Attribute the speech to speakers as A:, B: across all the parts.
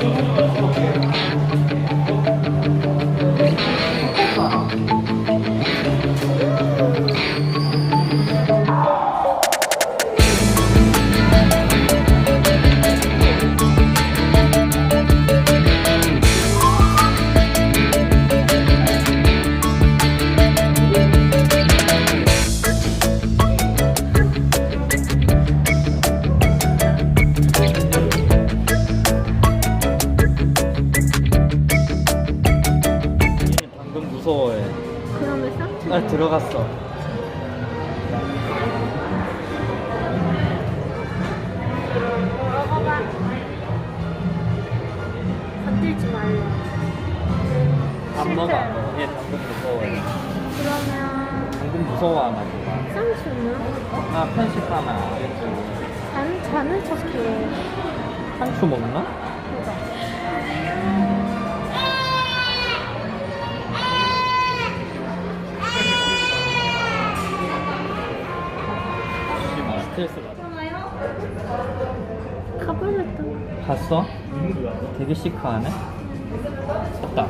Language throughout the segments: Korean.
A: 무서워해.
B: 그러면 쌍둥이.
A: 날 들어갔어.
B: 먹어봐. 건들지 말래.
A: 안 먹어, 안 먹어. 얘 당근 무서워해.
B: 그러면
A: 당근 무서워하나 보다.
B: 쌍수는?
A: 나 편식 하나.
B: 잔을 쳤게.
A: 상추 먹나? 스트레스 받아.
B: 가버렸다.
A: 봤어? 되게 시크하네. 왔다.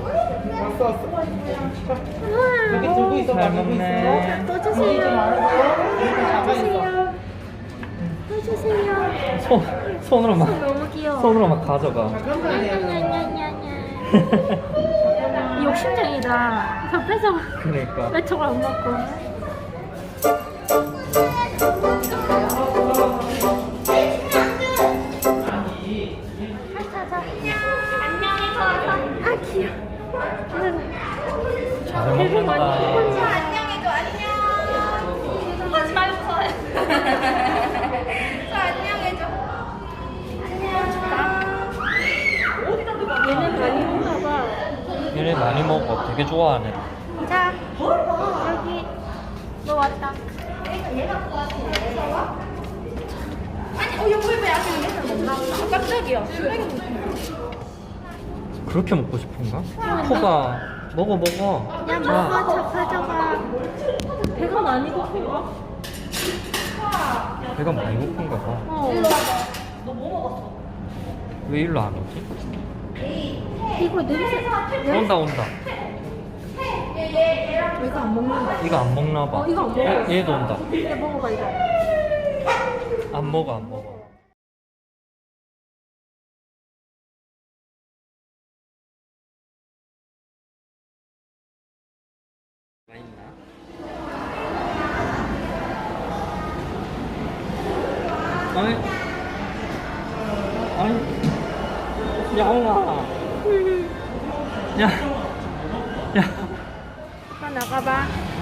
A: 잘 먹네.
B: 또 주세요. 또 주세요. 또 주세요.
A: 손으로 막
B: 너무 귀여워.
A: 손으로 막 가져가.
B: 욕심쟁이다. 저 뺏어.
A: 그러니까.
B: 왜 저걸 안 먹고? 아 귀여워.
A: 잘
B: 되게 많이
A: 먹는다.
B: 먹었네.
C: 안녕해줘 안녕. 하지 말고 서. 저 안녕해줘.
B: 얘는 많이 먹나 봐.
A: 얘네 많이 먹어. 되게 좋아하네.
B: 자, 여기 너 왔다.
C: 아니 여보 약간 맨날 먹나 보다. 깜짝이야.
A: 그렇게 먹고 싶은가? 코가 먹어.
B: 야 먹어, 저 가져가. 배가 많이 고픈가?
A: 배가 많이 고픈가 봐.
B: 어.
A: 왜 일로 안 오지?
B: 이거 냄새.
A: 온다.
B: 이거 안 먹는다.
A: 이거 안 먹나 봐.
B: 이거 안 먹어.
A: 얘도 온다.
B: 이거 먹어봐 이거.
A: 안 먹어. 맛있나? 아니, 야옹아. 야.
B: 가 나가봐.